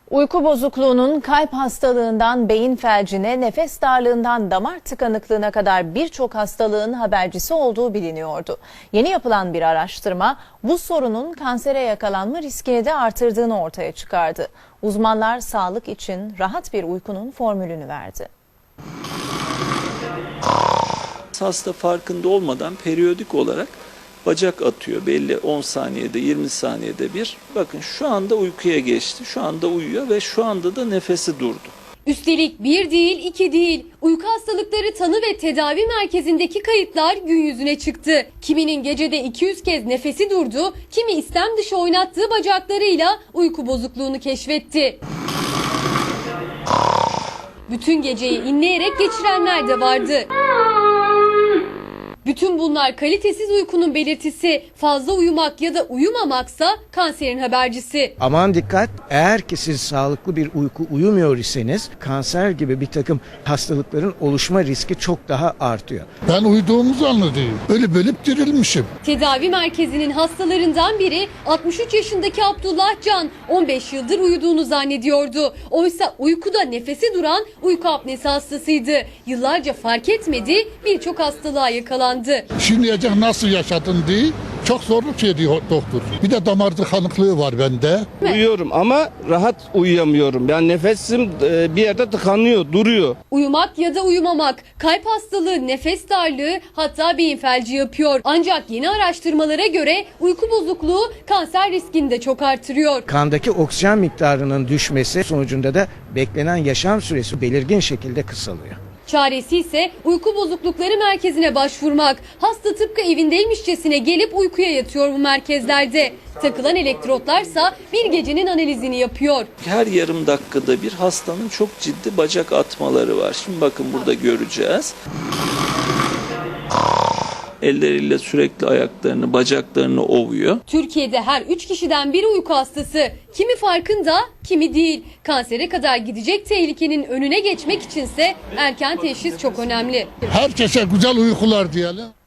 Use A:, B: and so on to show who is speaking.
A: Uyku bozukluğunun kalp hastalığından beyin felcine, nefes darlığından damar tıkanıklığına kadar birçok hastalığın habercisi olduğu biliniyordu. Yeni yapılan bir araştırma bu sorunun kansere yakalanma riskini de artırdığını ortaya çıkardı. Uzmanlar sağlık için rahat bir uykunun formülünü verdi.
B: Hasta farkında olmadan periyodik olarak bacak atıyor. Belli 10 saniyede 20 saniyede bir. Bakın şu anda uykuya geçti. Şu anda uyuyor ve şu anda da nefesi durdu.
C: Üstelik bir değil, iki değil. Uyku hastalıkları tanı ve tedavi merkezindeki kayıtlar gün yüzüne çıktı. Kiminin gecede 200 kez nefesi durdu, kimi istem dışı oynattığı bacaklarıyla uyku bozukluğunu keşfetti. Bütün geceyi inleyerek geçirenler de vardı. Bütün bunlar kalitesiz uykunun belirtisi. Fazla uyumak ya da uyumamaksa kanserin habercisi.
D: Aman dikkat, eğer ki siz sağlıklı bir uyku uyumuyor iseniz kanser gibi bir takım hastalıkların oluşma riski çok daha artıyor.
E: Ben uyuduğumu zannediyorum. Ölüp dirilmişim.
C: Tedavi merkezinin hastalarından biri 63 yaşındaki Abdullah Can 15 yıldır uyuduğunu zannediyordu. Oysa uykuda nefesi duran uyku apnesi hastasıydı. Yıllarca fark etmedi, birçok hastalığa yakalandı.
E: Şimdiye kadar nasıl yaşadın diye çok zorluk ediyor doktor. Bir de damar tıkanıklığı var bende.
F: Uyuyorum ama rahat uyuyamıyorum. Yani nefesim bir yerde tıkanıyor, duruyor.
C: Uyumak ya da uyumamak, kalp hastalığı, nefes darlığı, hatta beyin felci yapıyor. Ancak yeni araştırmalara göre uyku bozukluğu kanser riskini de çok artırıyor.
D: Kandaki oksijen miktarının düşmesi sonucunda da beklenen yaşam süresi belirgin şekilde kısalıyor.
C: Çaresi ise uyku bozuklukları merkezine başvurmak. Hasta tıpkı evindeymişçesine gelip uykuya yatıyor bu merkezlerde. Takılan elektrotlarsa bir gecenin analizini yapıyor.
B: Her yarım dakikada bir hastanın çok ciddi bacak atmaları var. Şimdi bakın burada göreceğiz. Elleriyle sürekli ayaklarını, bacaklarını ovuyor.
C: Türkiye'de her 3 kişiden biri uyku hastası. Kimi farkında, kimi değil. Kansere kadar gidecek tehlikenin önüne geçmek içinse erken teşhis çok önemli.
E: Herkese güzel uykular diyelim.